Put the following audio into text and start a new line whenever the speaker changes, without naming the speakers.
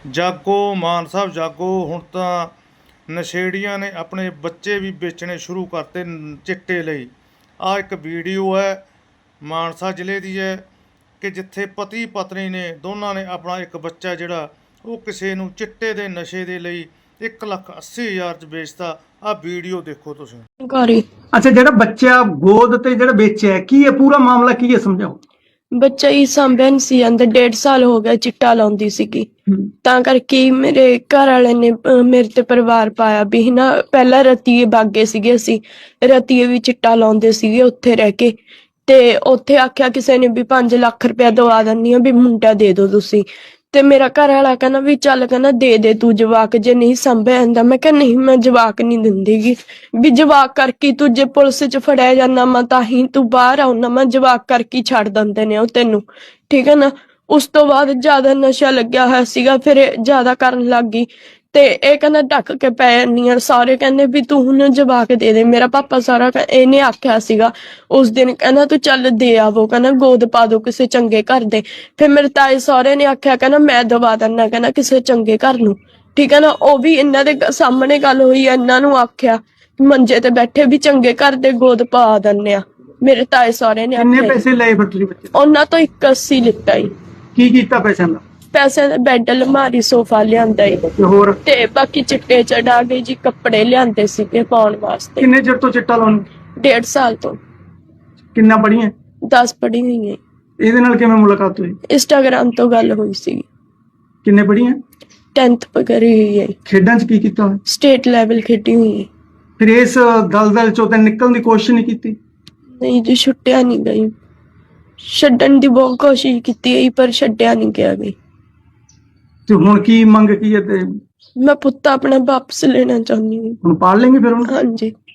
ਜਾਗੋ ਮਾਨ ਸਾਹਿਬ ਜਾਗੋ। ਹੁਣ ਤਾਂ ਨਸ਼ੇੜੀਆਂ ਨੇ ਆਪਣੇ ਬੱਚੇ ਵੀ ਵੇਚਣੇ ਸ਼ੁਰੂ ਕਰਤੇ ਚਿੱਟੇ ਲਈ। ਆਹ ਇੱਕ ਵੀਡੀਓ ਹੈ ਮਾਨਸਾ ਜ਼ਿਲ੍ਹੇ ਦੀ ਹੈ ਕਿ ਜਿੱਥੇ ਪਤੀ ਪਤਨੀ ਨੇ ਦੋਨਾਂ ਨੇ ਆਪਣਾ ਇੱਕ ਬੱਚਾ ਜਿਹੜਾ ਉਹ ਕਿਸੇ ਨੂੰ ਚਿੱਟੇ ਦੇ ਨਸ਼ੇ ਦੇ ਲਈ 1,80,000 'ਚ ਵੇਚਤਾ। ਆਹ ਵੀਡੀਓ ਦੇਖੋ ਤੁਸੀਂ।
ਘਰੇ
ਅੱਛਾ, ਜਿਹੜਾ ਬੱਚਾ ਗੋਦ ਤੇ ਜਿਹੜਾ ਵੇਚਿਆ ਕੀ ਹੈ, ਪੂਰਾ ਮਾਮਲਾ ਕੀ ਹੈ, ਸਮਝਾਓ।
ਬੱਚਾ ਹੀ ਸਾਂਭਿਆ ਨੀ ਸੀ ਜਾਂਦਾ, 1.5 ਸਾਲ ਹੋ ਗਿਆ ਚਿੱਟਾ ਲਾਉਂਦੀ ਸੀਗੀ। ਤਾਂ ਕਰਕੇ ਹੀ ਮੇਰੇ ਘਰ ਵਾਲੇ ਨੇ ਮੇਰੇ ਤੇ ਪਰਿਵਾਰ ਪਾਇਆ ਵੀ ਨਾ। ਪਹਿਲਾਂ ਰਤੀਏ ਬਾਗੇ ਸੀਗੇ, ਅਸੀਂ ਰਤੀਏ ਵੀ ਚਿੱਟਾ ਲਾਉਂਦੇ ਸੀਗੇ ਉੱਥੇ ਰਹਿ ਕੇ। ਤੇ ਉੱਥੇ ਆਖਿਆ ਕਿਸੇ ਨੇ ਵੀ 5 ਲੱਖ ਰੁਪਇਆ ਦਵਾ ਦਿੰਨੀ ਆ ਵੀ ਮੁੰਡਾ ਦੇ ਦਿਓ ਤੁਸੀਂ। ਤੇ ਮੇਰਾ ਘਰ ਵਾਲਾ ਕਹਿੰਦਾ ਵੀ ਚੱਲ, ਕਹਿੰਦਾ ਦੇ ਤੂੰ ਜਵਾਕ, ਜੇ ਨਹੀਂ ਸੰਭਿਆ ਜਾਂਦਾ। ਮੈਂ ਕਿਹਾ ਨਹੀਂ, ਮੈਂ ਜਵਾਕ ਨਹੀਂ ਦਿੰਦੀਗੀ ਵੀ ਜਵਾਕ ਕਰਕੇ ਤੂੰ ਜੇ ਪੁਲਿਸ 'ਚ ਫੜਿਆ ਜਾਂਦਾ ਮੈਂ ਤਾਂ ਹੀ ਤੂੰ ਬਾਹਰ ਆਉਣਾ, ਮੈਂ ਜਵਾਕ ਕਰਕੇ ਛੱਡ ਦਿੰਦੇ ਨੇ ਉਹ ਤੈਨੂੰ, ਠੀਕ ਹੈ ਨਾ। ਉਸ ਤੋਂ ਬਾਅਦ ਜ਼ਿਆਦਾ ਨਸ਼ਾ ਲੱਗਿਆ ਹੋਇਆ ਸੀਗਾ, ਫਿਰ ਇਹ ਜ਼ਿਆਦਾ ਕਰਨ ਲੱਗ ਗਈ। ਤੇ ਇਹ ਕਹਿੰਦਾ ਢੱਕ ਕੇ ਪੈ ਜਾਂਦੀ ਆ। ਸਾਰੇ ਕਹਿੰਦੇ ਵੀ ਤੂੰ ਹੁਣ ਜਵਾਕ ਦੇ ਦੇ। ਮੇਰਾ ਪਾਪਾ ਸਾਰਾ ਇਹਨੇ ਆਖਿਆ ਸੀਗਾ ਉਸ ਦਿਨ, ਕਹਿੰਦਾ ਤੂੰ ਚੱਲ ਦੇ ਆਵੋ, ਕਹਿੰਦਾ ਗੋਦ ਪਾ ਦੋ ਕਿਸੇ ਚੰਗੇ ਘਰ ਦੇ। ਫਿਰ ਮੇਰੇ ਤਾਏ ਸਹੁਰੇ ਨੇ ਆਖਿਆ, ਕਹਿੰਦਾ ਮੈਂ ਦਵਾ ਦਿੰਦਾ, ਕਹਿੰਦਾ ਕਿਸੇ ਚੰਗੇ ਘਰ ਨੂੰ, ਠੀਕ ਹੈ ਨਾ। ਉਹ ਵੀ ਇਹਨਾਂ ਦੇ ਸਾਹਮਣੇ ਗੱਲ ਹੋਈ, ਇਹਨਾਂ ਨੂੰ ਆਖਿਆ ਮੰਜੇ ਤੇ ਬੈਠੇ ਵੀ ਚੰਗੇ ਘਰ ਦੇ ਗੋਦ ਪਾ ਦਿੰਦੇ ਆ। ਮੇਰੇ ਤਾਏ ਸਹੁਰੇ ਨੇ
ਕਿੰਨੇ
ਆਖਿਆ।
ਪੈਸੇ ਲਏ ਫਿਰ ਤੁਸੀਂ ਬੱਚੇ ਤੋਂ?
ਉਹਨਾਂ ਤੋਂ 81 ਲਿੱਤਾ ਈ।
ਕੀ ਕੀਤਾ ਪੈਸਿਆਂ ਦਾ?
ਪੈਸੇ ਦਾ ਬੈੱਡ, ਅਲਮਾਰੀ, ਸੋਫਾ ਲਿਆਂਦਾ ਈ।
ਤੇ ਹੋਰ
ਤੇ ਬਾਕੀ ਚਿੱਟੇ ਚੜਾ ਗਏ ਜੀ, ਕੱਪੜੇ ਲਿਆਂਦੇ ਸੀਗੇ ਪਾਉਣ ਵਾਸਤੇ।
ਕਿੰਨੇ ਚਿਰ ਤੋਂ ਚਿੱਟਾ ਲਾਉਣ?
1.5 ਸਾਲ ਤੋਂ।
ਕਿੰਨਾ ਪੜੀਆਂ?
10 ਪੜ੍ਹੀ ਹੋਈ ਹੈ।
ਇਹਦੇ ਨਾਲ ਕਿਵੇਂ ਮੁਲਾਕਾਤ ਹੋਈ?
ਇੰਸਟਾਗ੍ਰਾਮ ਤੋਂ ਗੱਲ ਹੋਈ ਸੀ।
ਕਿੰਨੇ ਪੜੀਆਂ?
10th ਕਰੀ ਹੋਈ ਹੈ।
ਖੇਡਾਂ 'ਚ ਕੀ ਕੀਤਾ ਹੋਇਆ?
ਸਟੇਟ ਲੈਵਲ ਖੇਡੀ ਹੋਈ ਹੈ।
ਫਿਰ ਇਸ ਦਲਦਲ ਚੋਂ ਤਾਂ ਨਿਕਲਣ ਦੀ ਕੋਸ਼ਿਸ਼ ਨਹੀਂ ਕੀਤੀ?
ਨਹੀਂ ਜੀ, ਛੁੱਟਿਆ ਨਹੀਂ ਗਈ। ਛੱਡਣ ਦੀ ਬਹੁਤ ਕੋਸ਼ਿਸ਼ ਕੀਤੀ ਹੈ ਪਰ ਛੱਡਿਆ ਨਹੀਂ ਗਿਆ ਗਈ।
ਤੇ ਹੁਣ ਕੀ ਮੰਗ ਕੀ ਹੈ? ਤੇ
ਮੈਂ ਪੁੱਤ ਆਪਣਾ ਵਾਪਸ ਲੈਣਾ ਚਾਹੁੰਦੀ ਹਾਂ।
ਹੁਣ ਪਾਲ ਲੈਂਗੇ ਫਿਰ ਉਹਨੂੰ?
ਹਾਂਜੀ।